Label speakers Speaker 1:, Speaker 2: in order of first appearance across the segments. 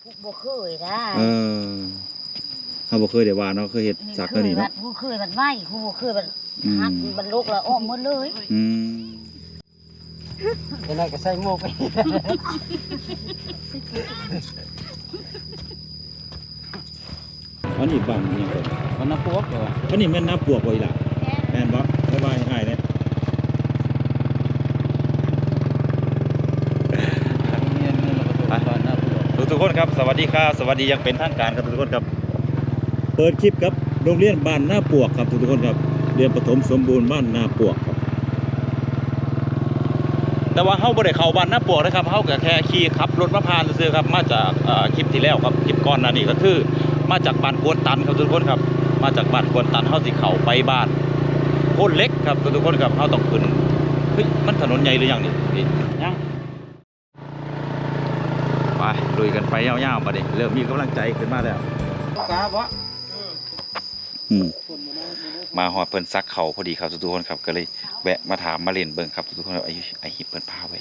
Speaker 1: บ่เคยนะ
Speaker 2: เฮาบ่เคยได้ว่าเนาะเคยเฮ็ดซักแล้วนี่เนาะ
Speaker 1: บ่เคยมันไหม้บ่เคยมันหักมันลุกแล้วอ้อมหมดเลย
Speaker 3: เดี๋ยวนั้นก็ใส่หมวกไป
Speaker 2: อันนี้บ้านนี่ก่อน
Speaker 3: มันน้ำพวกเหรอ
Speaker 2: อันนี้แม่นน้ำปวกบ่อีหล่ะแม่นบ่บ๊ายบายอ้ายเด้ทุกคนครับสวัสดีครับสวัสดียังเป็นทางการครับทุกคนครับเปิดคลิปครับโรงเรียนบ้านนาปวกครับทุกคนครับเรียนประถมสมบูรณ์บ้านนาปวกครับแต่ว่าเฮาบ่ได้เข้าบ้านนาปวกนะครับเฮาก็แค่ขี่ขับรถมาผ่านซื่อๆครับมาจากคลิปที่แล้วครับคลิปก่อนหน้านี้ก็คือมาจากบ้านกวนตันครับทุกคนครับมาจากบ้านกวนตันเฮาสิเข้าไปบ้านโพนเล็กครับทุกคนครับเฮาต้องขึ้นเฮ้ยมันถนนใหญ่หรือยังนี่ยังไปลุยกันไปยาวๆมาดิเริ่มมีกำลังใจขึ้นมาแล้ว
Speaker 3: กาบ่
Speaker 2: มาหอดเพิ่นซักเขาพอดีครับทุกคนครับก็เลยแวะมาถามมาเล่นเบิ่งครับทุกคนไอหิบเพิ่นพาไว้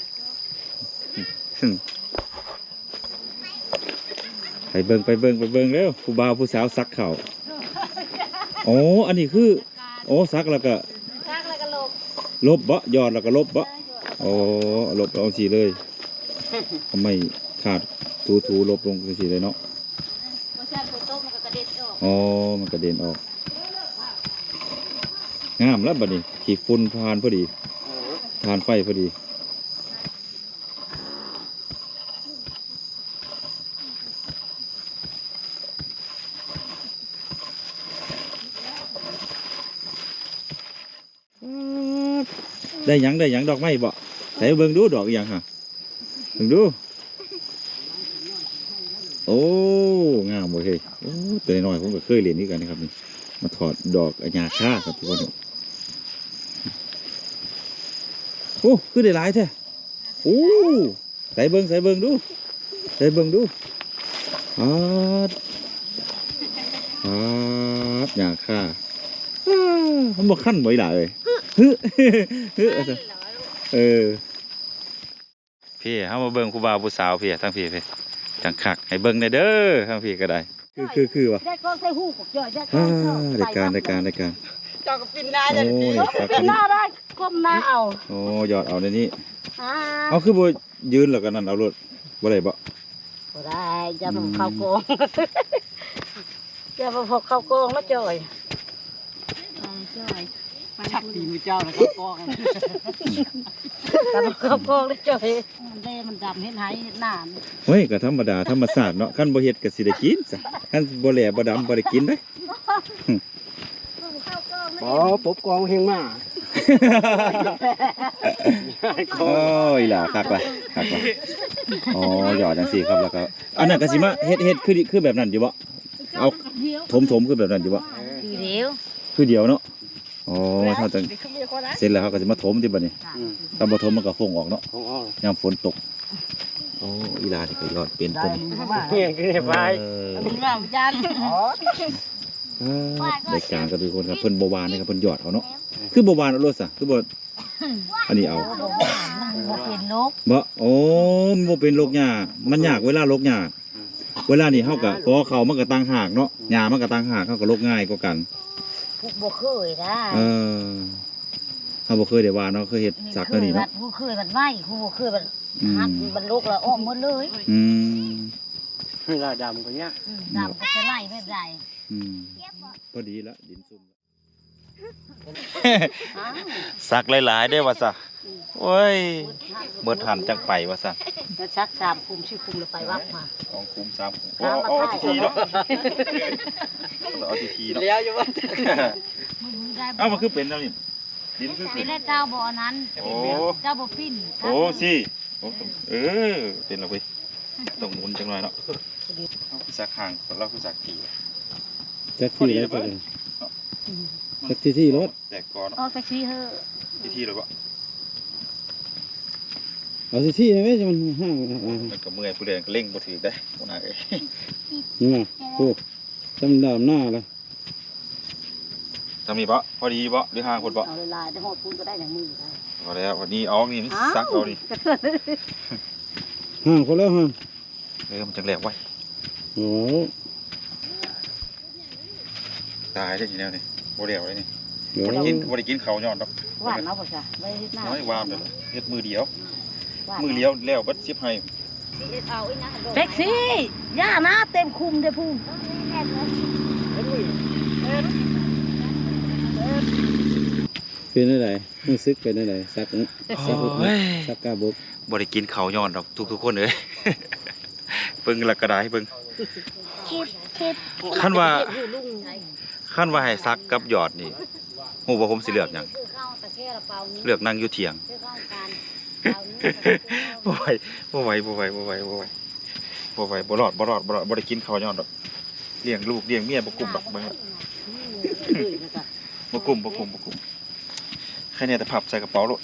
Speaker 2: ไปเบิ่งเร็วผู้บ่าวผู้สาวซักเขาอ๋ออันนี้คือโอ้ซักแล้วก็ลบบ่ยอดแล้วก็ลบบ่อ๋อลบเอาสิเลยทำไมขาดถูลบลงสิเลยเนาะอ๋อมันกระเด็นออกงามแล้วบัดนี้ขี่ฝุ่นทานพอดีทานไฟพอดีได้หยังดอกไม้บ่ใส่เบิ่งดูดอกอย่างฮะเบิ่งดูโอ้งามบ่เฮ้ยโอ้ตัวน้อยผมก็เคยเรียนนี่กันนะครับนี่มาถอดดอกอัญญาค่าครับทุกคนโอ้คือได้หลายแท้โอ้ใส่เบิ่งดูอาดหยาค่ามันบ่คั่นบ่อีหล่ะเอ้ยฮึพี่เฮามาเบิ่งผู้บ่าวผู้สาวพี่ทั้งพี่จังคักให้เบิ่งได้เด้อทั้งพี่ก็ได้คือว่ะ
Speaker 1: ได้ก็ใส่หูกย่อยได้
Speaker 2: รายการ
Speaker 3: เจ้าก็ปินหน้าจะดี
Speaker 1: ปินหน้าได้ก้มหน้าเอา
Speaker 2: โอ้ยอดเอาในนี้เอาคือบ่ยืนแล้วก็นั่นเอารถบ่ได้บ่
Speaker 1: ได้จะมาเข้าโกงจะมาพกเข้าโกงแล้วจ่อย
Speaker 3: ชักตีมือเจ้าแล้วก็กอง
Speaker 1: แต่มาเข้าโกงแล้วจ่อยมันได้มันดำเห็นหายเห็นหน้า
Speaker 2: เฮ้ยก็ธรรมดาธรรมชาติเนาะคันบ่เฮ็ดก็สิได้กินซะคันบ่แหล่บ่ดำบ่ได้กินเด้
Speaker 3: อ๋อปุ๊บกองเฮงมา
Speaker 2: โอ้ยล่ะคักอ๋อหยอดจังซี่ครับแล้วก็อันนั้นก็สิมาเฮ็ดคือแบบนั้นอยู่บ่เอาถมคือแบบนั้นอยู่บ่คือเดียวเนาะอ๋อถ้าจังเสร็จแล้วเขาก็จะมาถมที่บัดนี้ถ้าบ่ถมมันก็ฟงออกเนาะยามฝนตกโอ้อีลานี่ก็ยอดเป็นต้น
Speaker 3: เฮียคือเฮ็ดไป
Speaker 1: งามจัน
Speaker 2: รายการก็ทุกคนครับเพิ่นบ่หวานนะครับเพิ่นยอดเอาเนาะคือบ่หวานเอาโลดซะคือบ่อันนี้เอา
Speaker 1: บ่เป็นโรค
Speaker 2: บ่โอ้มันบ่เป็นโรคหญ้ามันยากเวลาโรคหญ้าเวลานี่เฮาก็พอเขามันก็ต่างหากเนาะหญ้ามันก็ต่างหากเฮาก็โรคง่ายกว่ากัน
Speaker 1: บ่เคยนะ
Speaker 2: เฮาบ่เคยได้ว่าเนาะเคยเฮ็ดซักแล้วนี่เนาะ
Speaker 1: บ่เคยมันไหม้บ่เคยมันหักมันลุกแล้วอ้อมหมดเลย
Speaker 3: เวลาดำก็เนี้ย
Speaker 1: ดำก็จะไล่ไม่ได้
Speaker 2: พอดีละดินซุ่มซักหลายๆได้ว่าซะโอ้ยเบิดหันจังไปว่าซะ
Speaker 1: แล้วซัก3คุม4คุมแล้วไปวัดมา
Speaker 2: 2คุม3คุมเอาทีเนาะเอาทีเนาะ
Speaker 3: แล้วอยู่ว่า
Speaker 2: เอามันคือเป็นแล้วนี่ดินคือ
Speaker 1: เป็นเจ้าบ่อนั้นเจ้าบ่ปิ้น
Speaker 2: โอ้สิเป็นแล้วเว้ยต้องหมุนจังหน่อยเนาะเอาซักห่างเราคือซักที
Speaker 3: จักที่แล้วไปจักที่รถ
Speaker 2: แตกก่อน
Speaker 1: เอาจักที่เฮ้
Speaker 2: อที่เลยบ่
Speaker 3: เอาที่ให้ไหมจะมันห่าง
Speaker 2: มันก็เมื่อยผู้เรียนก็เร่งบ่ถือได้บ่น่าเอ้ย
Speaker 3: นี่ไงโอ้จำดำหน้าเลย
Speaker 2: ทำนี่บ่พอดีบ่หรือห่างคนบ่
Speaker 1: เอาลายได้หดปูนก็ได้อย่างมือได้
Speaker 2: พอแล้ววันนี้เอานี่ซักเอานี่
Speaker 3: ห่างคนแล้วห่าง
Speaker 2: มันจังแหลกไว้
Speaker 3: โอ้
Speaker 2: ตายได้ทีแล้วนี่บ่เดียวเลยนี่
Speaker 3: โห
Speaker 2: บ่ได้กินข้าวย้อนดอก
Speaker 1: หวานเนาะพ่อจ้ะไม่เฮ็ดหน้า
Speaker 2: น้อยวามเด้อเฮ็ดมือเดียว
Speaker 1: หวาน
Speaker 2: มือเลี้ยวแล้วเบิด10ให้
Speaker 1: แท็กซี่ย่านะเต็มคุมเด้อพูม
Speaker 3: เป็นอะไรรู้สึกเป็นอะไรสักสักกาบก
Speaker 2: บ่ได้กินข้าวย้อนดอกทุกคนเอ้ย เบิ่งและก็ได้เบิ่งคันว่าให้ซักกับหยอดนี่ฮู้ว่าผมสิเลือกหยังเลือกนั่งอยู่เถียง บ่ไหวบ่รอดบ่ได้กินข้าวย้อนดอกเลี้ยงลูกเลี้ยงเมียบ่กุ้มดอกเบิ่งละบ่กุ้มแค่นี้แต่พับใส่กระเป๋าโลด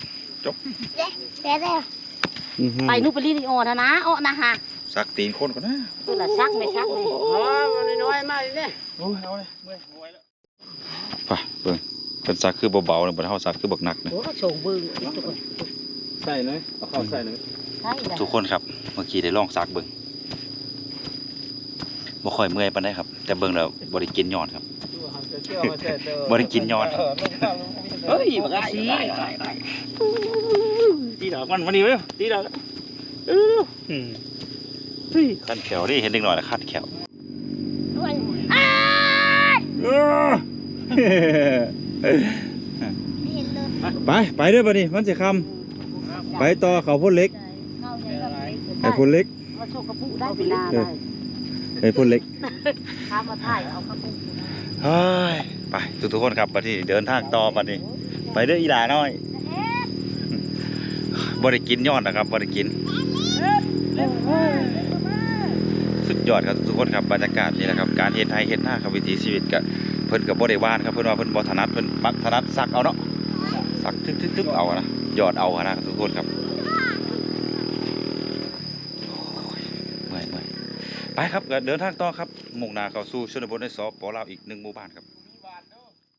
Speaker 1: ไปนูนไปรีนี่อ่อนนะอ่อนนะฮะ
Speaker 2: ซักตีนคนก่อนนะ
Speaker 1: ตัวละซักไม่ซักเลย
Speaker 4: มันน้อยมากเลยเนี่ย
Speaker 2: โอ้ยเอาเลยเมื่อยแล้วไปเบิ่งเพิ่นซักคือเบาๆนะบ่เฮาซักคือบักหนักนะ
Speaker 1: โอ้ก็โฉงบึ้งทุกคน
Speaker 3: ใส่หน่อยเอาเข้าใส่หน่อย
Speaker 1: ใช่จ้ะ
Speaker 2: ทุกคนครับเมื่อกี้ได้ลองซักเบิ่งบ่ค่อยเมื่อยปานใดครับ แต่เบิ่งแล้วบ่ได้กินย้อนครับ บ่ได้กินย้อนเฮ้ยบักอาชีตีดอกมันมานี่เว้ยตีดอกเฮ้ยคันแขวนี่เห็นเด็กน้อยแล้วคัดแขวไปเด้อบัดนี้มันสิค่ำไปต่อเขาพ่นเล็กไอ้พ่นเล็ก
Speaker 1: มาโชคกระปุกได้ปีนาได้
Speaker 2: ไอ้พ่นเล็ก
Speaker 1: ข้ามาถ่ายเอากระปุก
Speaker 2: เฮ้ยไปทุกคนครับบัดนี้เดินทางต่อบัดนี้ไปเด้ออีหลาน้อยบ่ได้กินยอดนะครับบ่ได้กินสุดยอดครับทุกคนครับบรรยากาศนี่แหละครับการเฮ็ดไร่เฮ็ดนาครับวิถีชีวิตก็เพิ่นก็บ่ได้ว่านครับเพิ่นว่าเพิ่นบ่ถนัดเพิ่นมักถนัดซักเอาเนาะซักทึกๆเอานะยอดเอานะทุกคนครับโอ้ยเมื่อยไปครับก็เดินทางต่อครับมุ่งหน้าเข้าสู่ชนบทในสป.ลาวอีก1หมู่บ้านครับ